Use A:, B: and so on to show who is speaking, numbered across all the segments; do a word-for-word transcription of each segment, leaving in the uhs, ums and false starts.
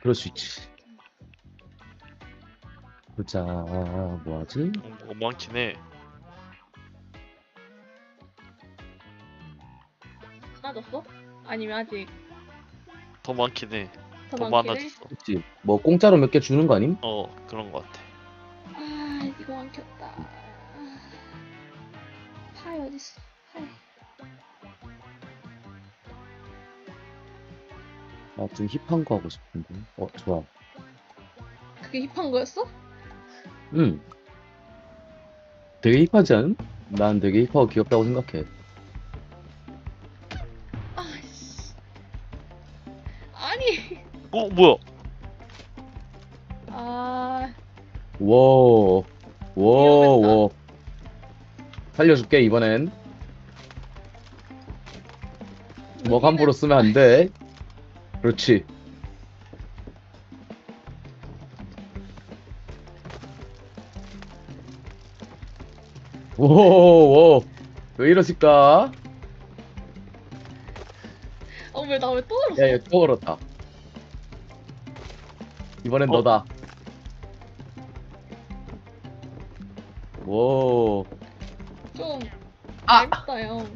A: 그럴 수 있지. 보자, 뭐하지?
B: 어, 많긴 해.
C: 많아졌어? 아니면 아직
B: 더 많긴 해.
C: 더,
B: 더
C: 많긴 해?
B: 많아졌어.
A: 그치? 뭐 공짜로 몇 개 주는 거 아님?
B: 어, 그런 거 같아.
C: 아 이거 안 켰다. 파이 어딨어? 파이.
A: 아, 좀 힙한 거 하고 싶은데. 어, 좋아.
C: 그게 힙한 거였어?
A: 응. 되게 힙하지 않음? 난 되게 힙하고 귀엽다고 생각해.
C: 아씨. 아니.
B: 어, 뭐야?
C: 아
A: 워, 워,
C: 위험했다.
A: 워. 살려줄게, 이번엔. 주먹 함부로 쓰면 안 돼. 그렇지. 오, 오. 왜 이러실까?
C: 어왜 나 왜 또 울었어?
A: 야, 얘 또 걸었다. 이번엔
B: 어?
A: 너다. 오.
C: 좀
A: 아!
C: 얇다 형.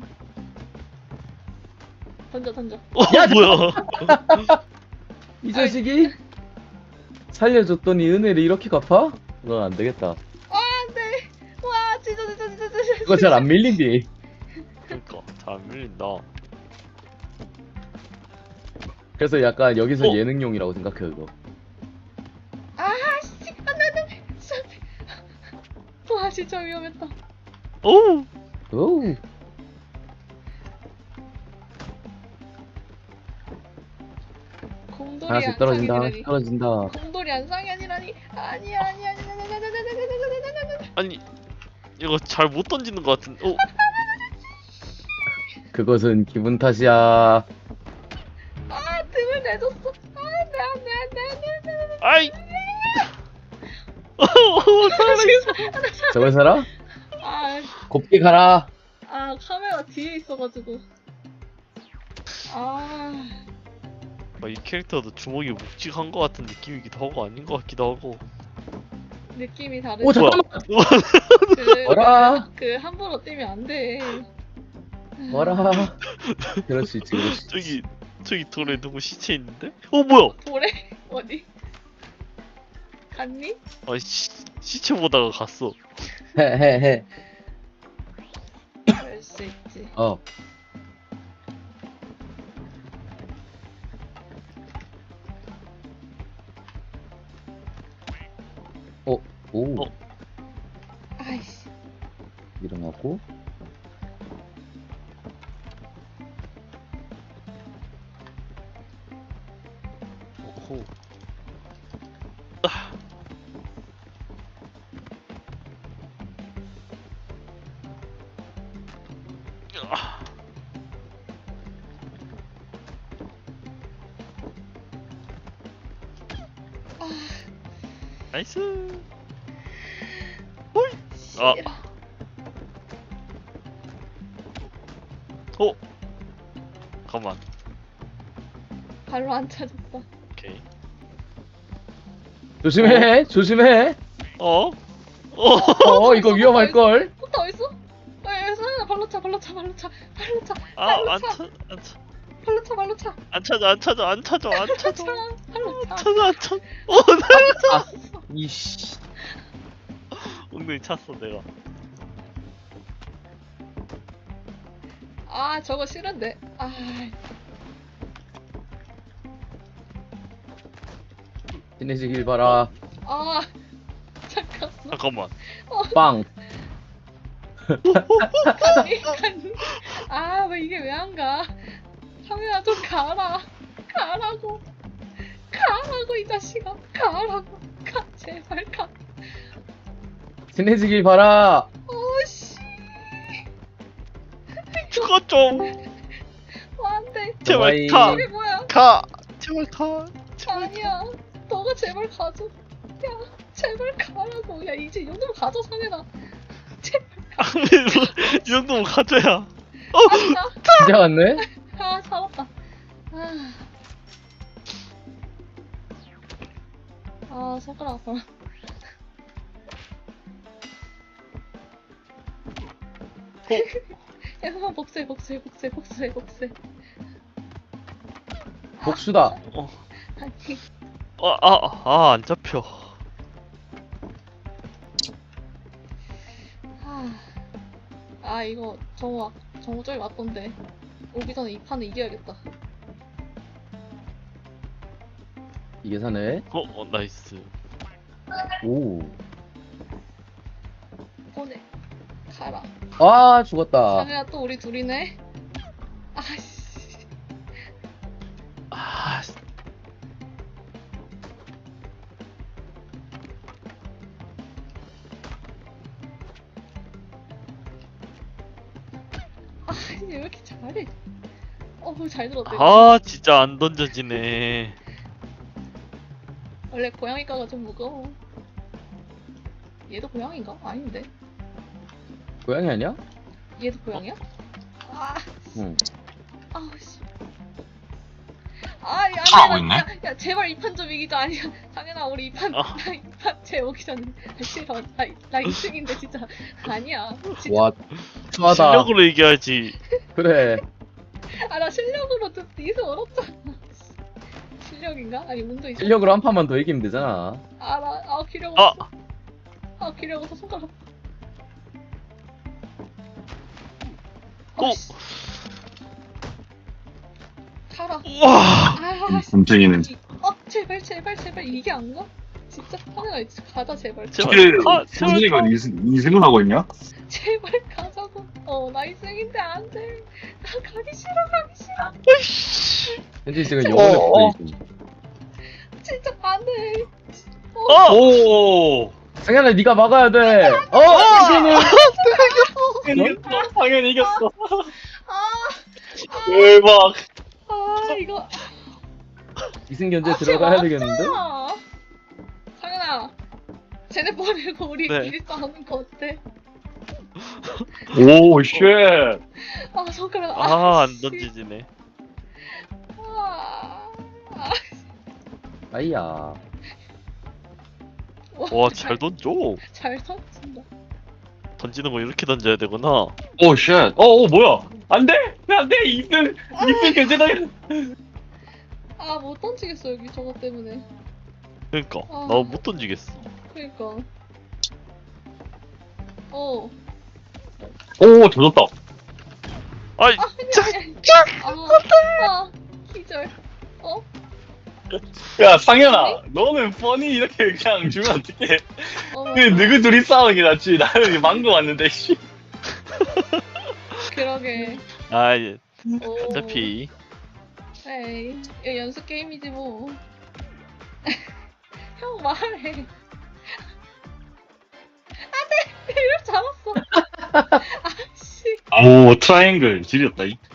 C: 던져 던져.
B: 어,
A: 야,
B: 뭐야?
A: 이 자식이 살려줬더니 은혜를 이렇게 갚아? 넌 안 되겠다.
C: 아 안돼. 와 진짜 진짜 진짜 진짜.
A: 그거 잘 안 밀린디.
B: 그러니까 잘 안 밀린다.
A: 그래서 약간 여기서
B: 어?
A: 예능용이라고 생각해, 그거.
C: 아씨 안돼 안돼. 진짜. 와 진짜 위험했다.
B: 오,
A: 오우.
C: 곰돌이
A: 하나씩
C: 안
A: 떨어진다,
C: 상이라니.
A: 떨어진다.
C: 곰돌이 안 상이 아니라니. 아니야 아니야 아니야 아니야 아니야 아니야 아니야 아니야.
B: 아니 이거 잘 못 던지는 것 같은. 어,
A: 그것은 기분 탓이야.
C: 아 등을 내줬어. 안돼 안돼 안돼 안돼 안돼.
B: 아이. 어, 살아있어.
A: 저걸 살아?
C: 아,
A: 곱게 가라.
C: 아 카메라 뒤에 있어가지고. 아,
B: 아, 이 캐릭터도 주먹이 묵직한 것 같은 느낌이기도 하고 아닌 것 같기도 하고.
C: 느낌이 다르지.
A: 오, 잠깐만.
C: 그,
A: 뭐라?
C: 그 함부로 뛰면 안 돼.
A: 뭐라. 그럴 수 있지, 그럴 수 있지.
B: 저기 저기 돌에 누구 시체 있는데? 어, 뭐야?
C: 돌에 어디? 갔니?
B: 아, 시, 시체 보다가 갔어.
A: 헤헤헤.
C: 그럴 수 있지.
A: 어. 어, 오.
B: 어.
C: 아이씨.
A: 일어나고.
B: 오호. 아.
C: 아,
B: 나이스. 홀. 아.
C: 싫어.
B: 어. 잠깐만.
C: 발로 안 찾았어.
B: 오케이.
A: 조심해, 조심해.
B: 어? 어.
A: 어, 이거 위험할걸.
C: 포타 어딨어? 에, 서연아 발로 차, 발로 차, 발로 차, 발로 차,
B: 아,
C: 발로
B: 안
C: 차,
B: 차, 안 차,
C: 발로 차, 발로 차,
B: 안 찾아, 안 찾아, 안 찾아, 안
C: 발로
B: 찾아,
C: 차, 발로 차.
B: 찾아, 안 찾아. 어, 나
A: 아, 이씨.
B: 엉덩이 찼어 내가.
C: 아 저거 싫은데. 아,
A: 친해지길 바라.
C: 아 잠깐만.
B: 잠깐만.
A: 빵.
C: 아 왜 이게 왜 안 가? 카메라 좀 가라. 가라고. 가라고 이 자식아. 가라고. 가 제발 가.
A: 친해지길 바라.
C: 오씨.
B: 죽어 좀.
C: 어, 안돼.
B: 제발
A: 너와의-
B: 가,
C: 이게 뭐야?
B: 가. 제발 가. 제발.
C: 아니야. 너가 제발 가줘. 야 제발 가라고. 야 이제 이 정도면 가져 상현아. 제발
B: 이 정도면 가져야.
C: 가자.
A: 진짜 왔네?
C: 아 살았다. 아. 아 손가락 아파라. 야 그만 복수해 복수해 복수해 복수해 복수해.
A: 복수다.
B: 어.
C: 아니
B: 아아아 안 잡혀.
C: 아, 아 이거 정우 와- 정우 저기 왔던데 오기 전에 이 판은 이겨야겠다.
A: 이게 사네.
B: 어, 어 나이스.
A: 오.
C: 보내 가라.
A: 아, 죽었다.
C: 상혜야 또 우리 둘이네. 아씨.
B: 아 씨.
C: 아니 왜 이렇게 잘해? 어잘 들었대.
B: 아 진짜 안 던져지네.
C: 원래 고양이과가 좀 무거워. 얘도 고양인가? 아닌데.
A: 고양이 아니야?
C: 얘도 고양이야? 아,
A: 응.
C: 아우 씨. 아, 야,
D: 잘하고
C: 야,
D: 있네?
C: 야, 야, 제발 이 판 좀 이기자. 아니야, 상현아, 우리 이 판,
B: 아.
C: 나 이 판 제 오기 전에. 아, 싫어. 나, 나 이 승인데 진짜 아니야. 진짜.
A: 와, 수하다.
B: 실력으로 이겨야지.
A: 그래.
C: 아, 나 실력으로 좀 이승 얻었잖아. 실력인가? 아니 운도 있어.
A: 실력으로 한 판만 더 이기면 되잖아.
C: 아, 나, 아, 기력
B: 아.
C: 없어. 아, 기력 없어 손가락.
B: 오.
C: 어, 씨. 가라.
B: 와.
C: 아, 씨.
D: 깜짝이는.
C: 이- 어 제발 제발 제발 이게 안 가? 진짜 하늘아 이제 가자 제발
B: 제발.
D: 그
B: 아, 제발
D: 선생이가
B: 가.
D: 이승을 하고 있냐?
C: 제발 가자고. 어나 이승인데 안돼. 나 가기 싫어 가기 싫어.
B: 아이씨.
A: 현진 지금 영혼의
D: 어, 어.
A: 플레이.
C: 진짜 안돼.
B: 어.
D: 오.
A: 상현아, 네가 막아야 돼. 어, 현진은
D: 이겼어. 당연히 이겼어.
C: 아,
D: 대박.
C: 아 이거.
A: 이승 견제
C: 아,
A: 들어가야
C: 쟤
A: 되겠는데?
C: 맞잖아. 상현아. 쟤네 버리고 우리끼리
B: 네.
C: 싸우는 거 어때?
D: 오, 쉣.
C: 아 손가락.
B: 아 안
C: 씨.
B: 던지지네.
C: 아, 아.
A: 아이야.
B: 와 잘 던져.
C: 잘 던진다.
B: 던지는 거 이렇게 던져야 되구나.
D: 오, 쉣. 어, 어, 뭐야? 안 돼! 안 돼! 이승! 이승 견제다!
C: 아 못 던지겠어 여기 저거 때문에.
B: 그러니까
C: 아.
B: 나 못 던지겠어.
C: 그러니까. 어.
D: 오, 조졌다.
B: 아이
C: 아, 아니, 아니. 아, 아, 기절. 어?
D: 야, 상현아. 너는 뻔히 이렇게 그냥 주면 어떡해.
C: 어,
D: 그, 누구 둘이 싸우는 게 낫지. 나는 망고 왔는데, 씨.
C: 그러게.
B: 아 예.
C: 오.
B: 어차피
C: 에이, 이거 연습 게임이지 뭐. 형 말해. 안돼, 이럴 줄 알았어. 아씨.
D: 오, 트라이앵글. 지렸다, 이.